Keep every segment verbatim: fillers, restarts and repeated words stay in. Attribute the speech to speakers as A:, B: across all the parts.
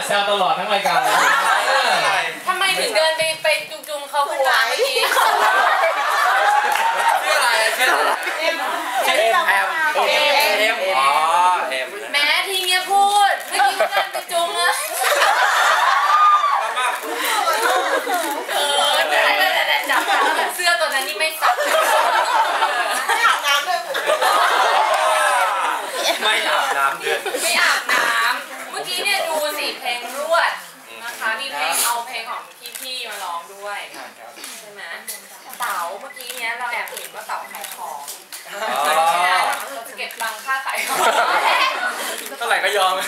A: แซวตลอดทั้งรายการ
B: ทำไมถึงเดินไปไปจุงๆเขาหัวเมื่อกี้
C: ชื่ออะไรชื่อเอ็มเอ็มเอ็มเอ็มอ๋อเอ็ม
B: แม้ทีเงี้ยพูดเมื่อกี้เดินไปจุงอะเออแต่แต่จับเสื้อตัวนั้นนี่ไม่ซัก
D: ไม่อาบน้ำด้วย
C: ไม่อาบน้ำด้วย
B: ไม่อาบน้ำเมื่อกี้เนี่ยดูสิเพลงรวดนะคะมีเพลงเอาเพลงของพี่ๆมาร้องด้วยใช่ไหมเต๋าเมื่อกี้เนี้ยเราแอบเห็นว่าเต๋าขายของเราจะเก็บตังค่าขายของ
C: เท่าไหร่ก็ยอม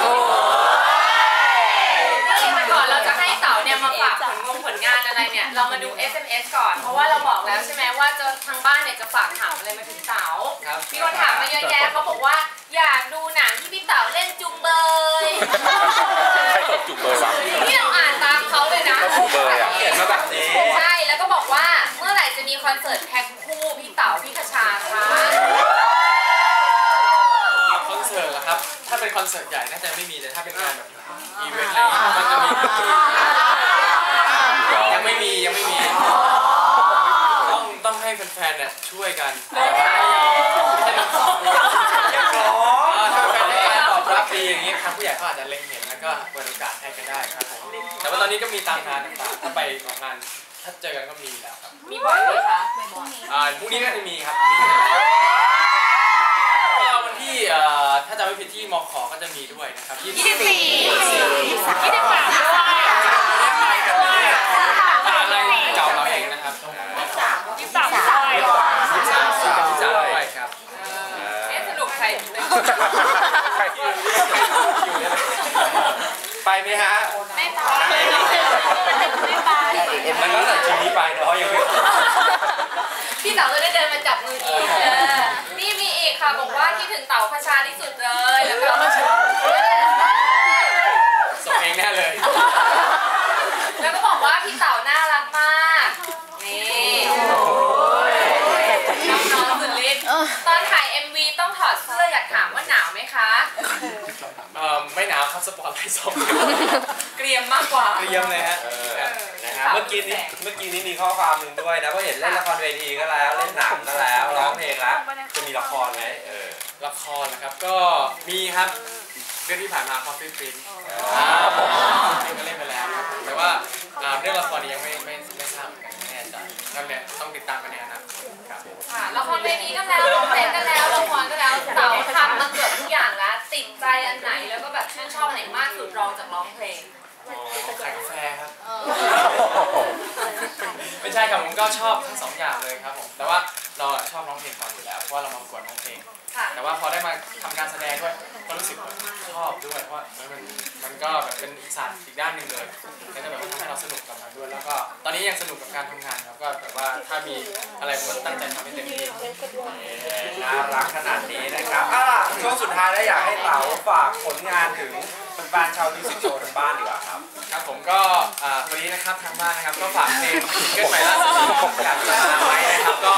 B: แต่ก่อนเราจะให้เต๋าเนี่ยมาฝากผลงงผลงานอะไรเนี่ยเรามาดู เอส เอ็ม เอส ก่อนเพราะว่าเราบอกแล้วใช่ไหมว่าจะทางบ้านเนี่ยจะฝากถามอะไรมาถึงเต๋ามีคนถามมาเยอะแยะเขาบอกว่าอยากดูหนังที่พี่เต๋าเล่นจุงเบย
E: ใครตกจุงเบยวะ
B: นี่เราอ่านตามเขาเลยนะ
E: จุงเบยอ่ะ
C: เขียนมาแบบนี้
B: ใช่แล้วก็บอกว่าเมื่อไหร่จะมีคอนเสิร์ตแพ็คคู่พี่เต๋าพี่คชาคะ
C: คอนเสิร์ตเหรอครับถ้าเป็นคอนเสิร์ตใหญ่น่าจะไม่มีแต่ถ้าเป็นงานแบบอีเวนต์อะไรมันจะมียังไม่มียังไม่มีต้องต้องให้แฟนๆเนี่ยช่วยกันไม่ใช่น้ำสองถ้าแฟนๆให้การตอบรับดีอย่างนี้ครับผู้ใหญ่เขาอาจจะเล็งเห็นแล้วก็เปิดโอกาสให้กันได้ครับแต่ว่าตอนนี้ก็มีตามงานต่างๆถ้าไปออกงานถ้าเจอกันก็มีแล้วครับ
B: มีบ่อยไหมคะ
C: อ่าพรุ่งนี้ก็จะมีครับวันที่ถ้าจำไม่ผิดที่มอขอก็จะมีด้วยนะครับยี่สิบสี่ยี่สิบสามยี่สิบสามอะไรเก่าเราเองนะครับ
B: ยี่สิบสามยี่สิบสามยี่สิบสามยี่สิบสามยี่สิบสามด้วยครับเอ๊ะสรุปใคร
C: ใครที่ไปไหมฮะ
B: ไม่ไปไม่ไป
C: มันก็แต่ทีนี้ไปเนาะยังไม่
B: พี่เต๋าจะได้เดินมาจับมืออีกนี่มีอีกค่ะบอกว่าที่ถึงเต๋าคชาที่สุดเลยแล้วก็
C: ส่งเองแน่เลย
B: แล้วก็บอกว่าพี่เต๋าน่ารักมากนี่น้องๆสุดฤทธิ์ตอนถ่าย เอ็ม วี ต้องถอดเสื้ออยากถามว่าหนาวไหมคะ
C: เอ่อไม่หนาวครับสปอร์ตไลท์ส่อง
B: เกรียมมากกว่า
C: เกรียมเลยฮะนะฮะเมื่อกี้นี้เมื่อกี้นี้มีข้อความหนึ่งด้วยนะเพราะเห็นเล่นละครเวทีก็แล้วเล่นหนังก็แล้วร้องเพลงแล้วจะมีละครไหมเออละครนะครับก็มีครับเรื่องที่ผ่านมา Coffee Prince ผมก็เล่นไปแล้วแต่ว่าเรื่องละครนี้ยังไม่ไม่ไม่ทราบไม่แน่ใจก็เนี่ยต้องติดตามกันในอนาคตครับ
B: ค่ะละครเวทีก็แล้วร้องเพลงก็แล้วละครก็แล้วเต๋าทำมาเกือบทุกอย่างแล้วติดใจอันไหนแล้วก็แบบชื่นชอบอันไหนมากสุดรองจากร้องเพลง
C: ขายกาแฟครับไม่ใช่ครับผมก็ชอบทั้งสองอย่างเลยครับผมแต่ว่าเราชอบร้องเพลงก่อนอยู่แล้วเพราะว่าเรามาประกวดร้องเพลงแต่ว่าพอได้มาทำการแสดงด้วยก็รู้สึกชอบด้วยเพราะมันมันก็แบบเป็นศาสตร์อีกด้านหนึ่งเลยก็จะแบบว่าทำให้เราสนุกกับมันด้วยแล้วก็ตอนนี้ยังสนุกกับการทำงานครับก็แบบว่าถ้ามีอะไรผมก็ตั้งใจทำให้เต็มที่น่ารักขนาดนี้นะครับอ่ะช่วงสุดท้ายแล้วอยากให้เต๋าฝากผลงานถึงแฟนชาวมิวสิกโชว์ทางบ้านดีกว่าครับครับผมก็วันนี้นะครับทางบ้านนะครับก็ฝากเพลงซิงเกิลใหม่ล่าสุดอยากจะมาไว้นะครับก็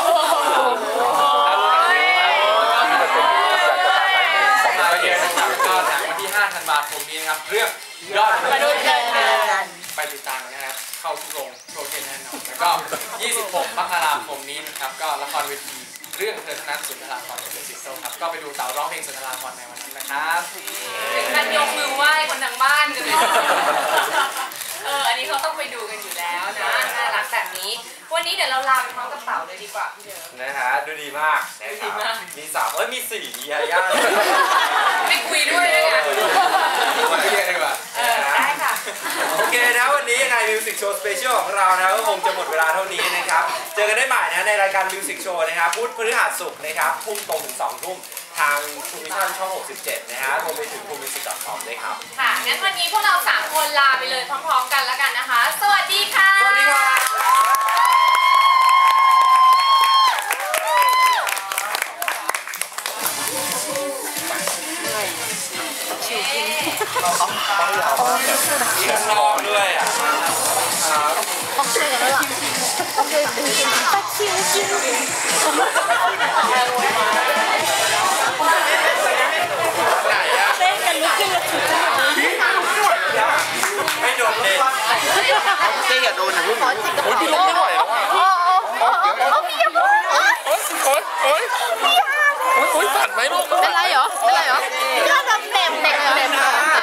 C: ก็หนังวันที่ห้าธันวาคมนี้นะครับเรื่องยอดมนุษย์เงินเดือนไปติดตามกันนะครับเข้าทุกโรงโปรเจกต์แน่นอนแล้วก็ยี่สิบหกมกราคมนี้นะครับก็ละครเวทีเรื่องเธอธนัทสุนทราภรณ์เดอะซิสโซครับก็ไปดูเต๋าร้องเพลงสุนทราภรณ์ในวันนั้นนะครับ
B: มันยกมือไหว้คนทางบ้านกันเลยเอออันนี้เขาต้องไปดูกันอยู่แล้วนะน่ารักแบบนี้วันนี้เดี๋ยวเราลาไปพร้อมกับเต๋าเลยดีกว่าพี่เดิม
C: นะฮะดูดีมากนะครับมีสามเอ้ยมีสี่มียาย่า
B: ไม่คุยด้วยเลยอ่ะ
C: มาเรียกดีกว่า
B: ได้ค่ะ
C: โอเคนะวันนี้ในมิวสิกโชว์สเปเชียลของเรานะก็คงจะหมดเวลาเท่านี้นะครับเจอกันได้ใหม่นะในรายการมิวสิกโชว์นะครับพุธพฤหัสศุกร์นะครับทุ่มตรงถึงสองทุ่มทางทูมิชั่นช่องหกสิบเจ็ดนะฮะรวมไปถึงทูมิวสิก ดอท คอม ด้วยครับ
B: ค่ะงั้นวันนี้พวกเราสามคนลาไปเลยพร้อมๆกันแล้วกันนะคะสวัสดีค่ะ
C: สวัสดีค่ะข้างนอกด้วยอ่ะ
D: โอเคแล้วล่ะโอเคตัดคิวคิว
C: ไหนอะ
D: เต้นกันลุกขึ้นแล้วถือ
E: นอย่าเพิ่ง
D: ขอจิกกระ
E: โอ้ย
D: เป๋า
E: พี่ลุกไม่ไหวแล้วอ่ะ
D: โอ้โอ้โอ้พี่อย่าพูด
E: โอ๊ยโอ๊ยโอ๊ยโอ๊ยโอ๊ยสั่นไหมลูก
D: เป็นไรเหรอเป็นไรเหรอก็แบบเหน็บเหน็บเหน็บ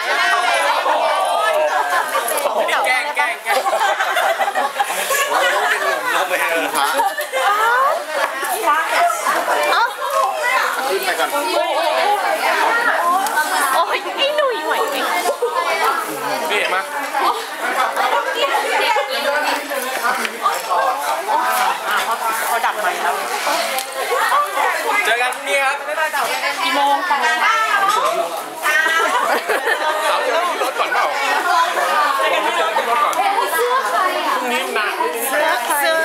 C: แกล้งแกล้งแกล้ง
E: ลงไปเลยพระขึ้นไปก่อน
D: โอ้ยไอ้หนุ่ยไหวไหม
E: นี่เห็นไหม
D: เขาดักไหมแล้ว
C: เจอกันพรุ่งนี้ครับบ๊ายบายเต่า
D: กี่โมงกี่โมง
E: สาวเจอที่รถก่อนเปล่าเจอที่รถก่อนพรุ่งนี้หนัก
D: เสื้อใคร